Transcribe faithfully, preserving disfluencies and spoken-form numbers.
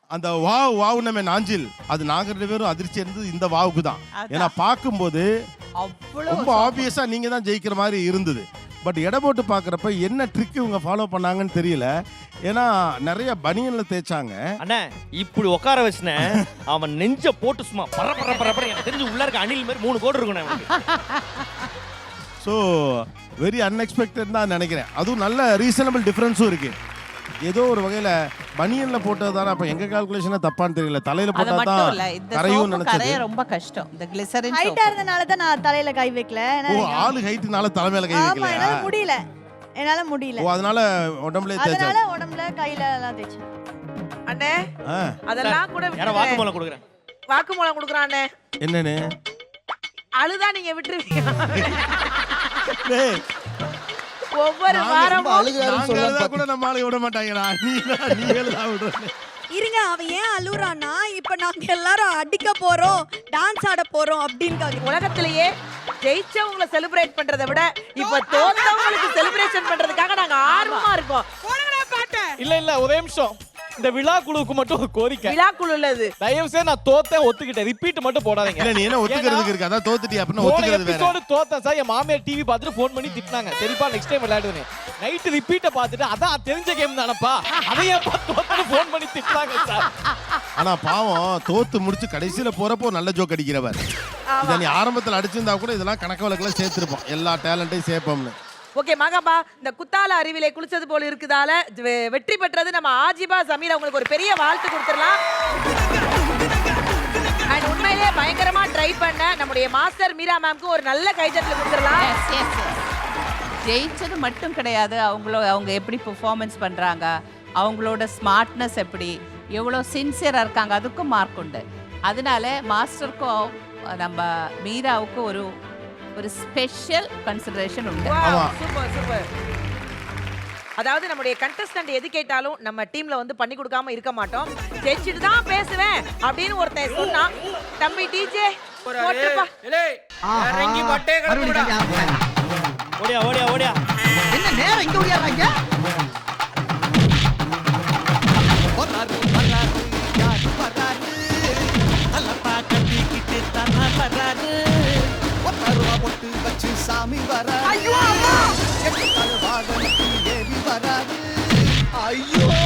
அந்த wow wow நம்ம நாஞ்சில் அது நாங்க ரெண்டு பேரும் அதிர்ச்சி இருந்தது இந்த வாவுக்கு தான். ஏன்னா பார்க்கும்போது ரொம்ப ஆப்வியஸா நீங்க தான் ஜெயிக்கிற மாதிரி இருந்தது. பட் எடை போட்டு பார்க்குறப்ப என்ன ட்ரிக் இவங்க ஃபாலோ பண்ணாங்கன்னு தெரியல. ஏன்னா நிறைய பனியன்ல தேய்ச்சாங்க. அண்ணா இப்படி உட்கார வச்சுனே அவன் நெஞ்ச போட்டு சும்மா பர பர பர பர எனக்கு தெரிஞ்சு உள்ள இருக்க அணில் மாதிரி மூணு கோடு இருக்கும். ஸோ வெரி அன்எக்ஸ்பெக்டட் தான் நினைக்கிறேன். அதுவும் நல்ல ரீசனபிள் டிஃபரன்ஸும் இருக்கு. ஏதோ ஒரு வகையில பனியன்ல போட்டது தானே. அப்ப எங்க கால்குலேஷனே தப்பான்னு தெரியல. தலையில போட்டா தான் கரையும் நினைச்சது. ரொம்ப கஷ்டம். இந்த கிளிசரின் ஹைட்டா இருந்தனால தான் நான் தலையில கை வைக்கல. ஓ ஆளு ஹைட்னால தலை மேல கை வைக்கல. ஆமா என்னால முடியல. என்னால முடியல. ஓ அதனால உடம்புல தேய்ச்சா. அதனால உடம்புல கையில எல்லாம் தேய்ச்சேன். அண்ணே அதெல்லாம் கூட யார வாக்குமூலம் கொடுக்குறேன். வாக்குமூலம் கொடுக்குறான் அண்ணே. என்னன்னு? அழுதா நீங்க விட்டுருவீங்க. டேய் ஒவ்வொரு வாரமும் அழுகுறாருன்னு சொன்னா கூட நம்ம ஆளு விட மாட்டாங்கடா. நீ நீ எல்லாம் விடுறே. இருங்க அவன் ஏன் அழுறானா? இப்ப நாங்க எல்லாரும் அடிக்க போறோம், டான்ஸ் ஆட போறோம் அப்படின்னு உலகத்திலேயே ஜெயிச்சவங்களை செலிப்ரேட் பண்றதை விட இப்ப தோத்தவங்களுக்கு செலிப்ரேஷன் பண்றதுக்காக நாங்க ஆர்வமா இருக்கோம். இல்ல இல்ல ஒரே நிமிஷம். இந்த விழா குழுவுக்கு மட்டும் ஒரு கோரிக்கை. விழா குழு இல்லது. தயவு செய்து நான் தோத்தேன் ஒத்துக்கிட்டேன். ரிப்பீட் மட்டும் போடாதீங்க. இல்ல நீ என்ன ஒத்துக்கிறதுக்கு இருக்கு? அதான் தோத்துட்டியா அப்படினா ஒத்துக்கிறது வேற. Episode தோத்தேன் sir. என் மாமியார் டிவி பார்த்துட்டு ஃபோன் பண்ணி திட்டினாங்க. சரிப்பா நெக்ஸ்ட் டைம் விளையாடுவேன். நைட் ரிப்பீட்ட பார்த்துட்டு அதான் தெரிஞ்ச கேம் தானப்பா. அதையே தோத்துட்டு ஃபோன் பண்ணி திட்டினாங்க சார். ஆனா பாவம் தோத்து முடிச்சு கடைசில போறப்போ நல்ல ஜோக் அடிக்கிறவர். இத நீ ஆரம்பத்துல அடிச்சிருந்தா கூட இதெல்லாம் கணக்கு வழக்குல சேர்த்திருப்போம். எல்லா டேலண்ட்டையும் சேர்ப்போம்னு. ஓகே மகாபா இந்த குத்தால அறிவிலே குளிச்சது போல இருக்குதால வெற்றி பெற்றது நம்ம ஆஜிபா சமீர் அவங்களுக்கு ஒரு பெரிய வாழ்த்து கொடுத்துடலாம். அண்ட் உண்மையிலேயே பயங்கரமா ட்ரை பண்ண நம்முடைய மாஸ்டர் மீரா மேம்க்கு ஒரு நல்ல கைதட்டல் கொடுத்துடலாம். ஜெயிச்சது மட்டும் கிடையாது, அவங்களோ அவங்க எப்படி பெர்ஃபார்மன்ஸ் பண்றாங்க, அவங்களோட ஸ்மார்ட்னஸ் எப்படி, எவ்வளோ சின்சியரா இருக்காங்க, அதுக்கும் மார்க் உண்டு. அதனால மாஸ்டருக்கும் நம்ம மீராவுக்கும் ஒரு ஒரு ஸ்பெஷல் கன்சிடரேஷன் உண்டு. Super super. அதாவது நம்முடைய கண்டஸ்டன்ட் எது கேட்டாலும் நம்ம டீம்ல வந்து பண்ணி கொடுக்காம இருக்க மாட்டோம். ஜெயிச்சிட்டு தான் பேசுவேன் அப்படின்னு ஒருத்தன் சொன்னா தம்பி டிஜே போட்டுப்பா. இறங்கி மட்டே கறக்குடா. ஓடியா ஓடியா ஓடியா. என்ன நேரா இங்க ஓடியாறாங்க? வராரு வராரு யார் வராரு? அலப்பா கட்டிக்கிட்டு தானா வராரு. ஒத்தருவா போட்டு வச்சு சாமி வராரு. ஐயோ அம்மா எட்டு கால் வாகனத்தில் ஏறி வராரு. ஐயோ